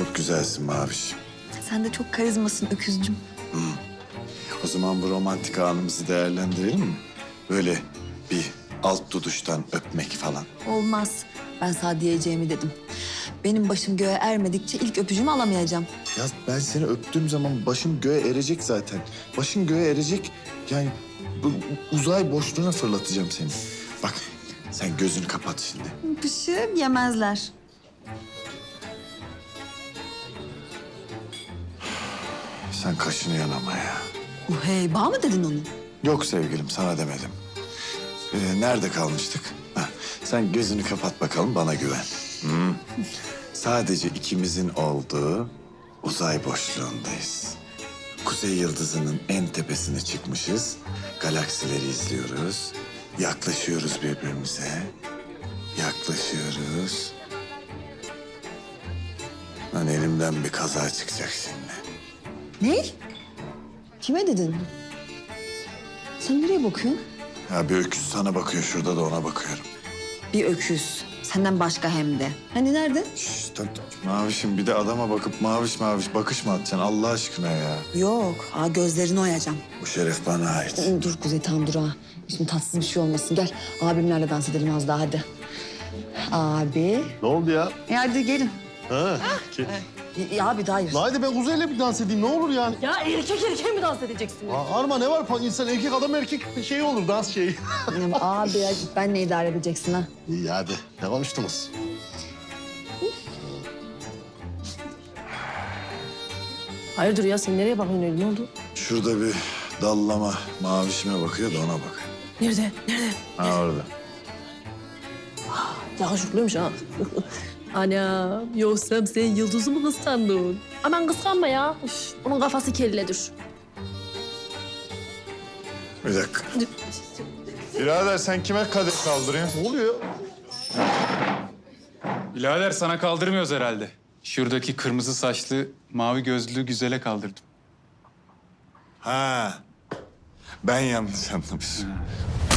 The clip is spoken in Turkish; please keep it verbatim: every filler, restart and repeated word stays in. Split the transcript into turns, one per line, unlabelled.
Çok güzelsin Maviş.
Sen de çok karizmasın öküzcüm.
O zaman bu romantik anımızı değerlendirelim mi? Böyle bir alt duduştan öpmek falan.
Olmaz. Ben sana diyeceğimi dedim. Benim başım göğe ermedikçe ilk öpücüğümü alamayacağım.
Ya ben seni öptüğüm zaman başım göğe erecek zaten. Başın göğe erecek. Yani bu uzay boşluğuna fırlatacağım seni. Bak sen gözünü kapat şimdi.
Pışı yemezler.
Sen kaşını yanama ya.
Uh, hey, bağ mı dedin onu?
Yok sevgilim sana demedim. Ee, nerede kalmıştık? Heh, sen gözünü kapat bakalım bana güven. Hı. Sadece ikimizin olduğu uzay boşluğundayız. Kuzey yıldızının en tepesine çıkmışız. Galaksileri izliyoruz. Yaklaşıyoruz birbirimize. Yaklaşıyoruz. Lan elimden bir kaza çıkacak şimdi.
Ne? Kime dedin? Sen nereye bakıyorsun?
Ya bir öküz sana bakıyor şurada da ona bakıyorum.
Bir öküz. Senden başka hem de. Hani nerede?
Şşş dur, dur. Mavişim bir de adama bakıp maviş maviş bakış mı atacaksın Allah aşkına ya?
Yok. Aa, gözlerini oyacağım.
Bu şeref bana ait.
Dur Kuzey, tam dur ha. Şimdi tatsız bir şey olmasın. Gel abimlerle dans edelim az daha hadi. Abi.
Ne oldu ya?
E hadi gelin.
Ha. Ki-
Ya abi hayır.
Haydi ben Kuzey'le bir dans edeyim ne olur yani.
Ya erkek erkeğe mi dans edeceksiniz?
Ha, Arma ne var? İnsan erkek adam erkek şey olur dans şeyi.
Abi ya, benle idare edeceksin ha.
İyi hadi ne konuştunuz?
Hayırdır ya, sen nereye bakıyorsun öyle, ne oldu?
Şurada bir dallama mavişime bakıyor da ona bak.
Nerede, nerede?
Ha orada.
Yakışıklıymış ha. Ana, yoksa sen Yıldız'ı mı kıskandın? Aman kıskanma ya. Üf, onun kafası kelledir.
Bir dakika. Birader sen kime kadeh kaldırıyorsun?
Ne oluyor?
Birader sana kaldırmıyoruz herhalde. Şuradaki kırmızı saçlı, mavi gözlü güzele kaldırdım.
Ha. Ben yanlış anlamışım.